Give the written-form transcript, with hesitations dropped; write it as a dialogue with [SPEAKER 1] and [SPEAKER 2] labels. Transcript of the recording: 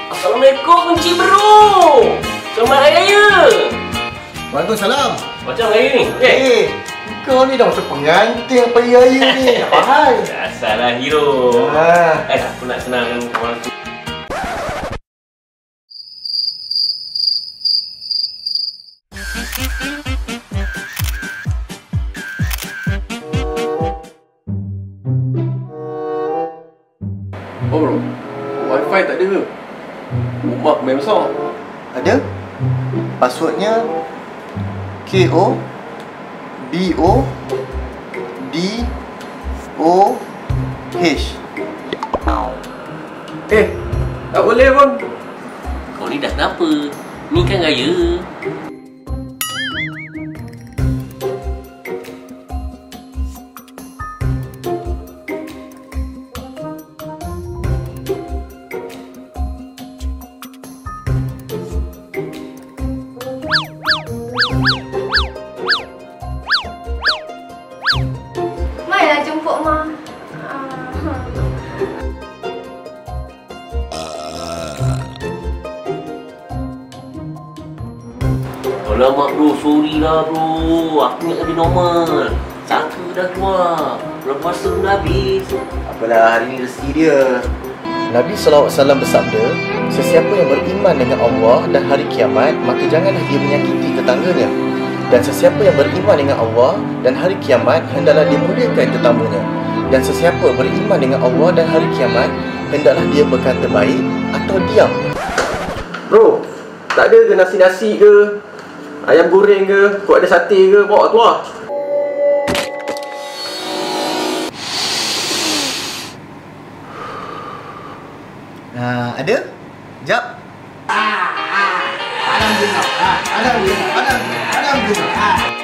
[SPEAKER 1] Assalamualaikum Encik Bro. Selamat Hari Raya.
[SPEAKER 2] Waalaikumsalam.
[SPEAKER 1] Macam hari ni?
[SPEAKER 2] Kau ni dah macam pengantin apa raya ni. Apa hal?
[SPEAKER 1] Biasalah hero. Aku nak senangkan kawan aku.
[SPEAKER 3] Oh bro, wifi tak ada ke? Rumah main besar.
[SPEAKER 2] Ada? Passwordnya KOBODOH.
[SPEAKER 3] Tak boleh bang.
[SPEAKER 1] Kau ni dah kenapa? Ni kan raya.
[SPEAKER 4] Marilah jemput Ma.
[SPEAKER 1] Alamak bro, sorry lah bro. Aku nak lebih normal. Saka dah keluar. Bulan puasa pun dah habis.
[SPEAKER 2] Apalah, hari ni rezeki dia. Nabi SAW bersabda, sesiapa yang beriman dengan Allah dan hari kiamat, maka janganlah dia menyakiti tetangganya. Dan sesiapa yang beriman dengan Allah dan hari kiamat, hendaklah dia muliakan tetamunya. Dan sesiapa beriman dengan Allah dan hari kiamat, hendaklah dia berkata baik atau diam.
[SPEAKER 3] Bro, tak ada ke nasi-nasi ke? Ayam goreng ke? Kau ada sate ke? Bawa tu lah.
[SPEAKER 2] Ada? Jap. Alhamdulillah. Alhamdulillah.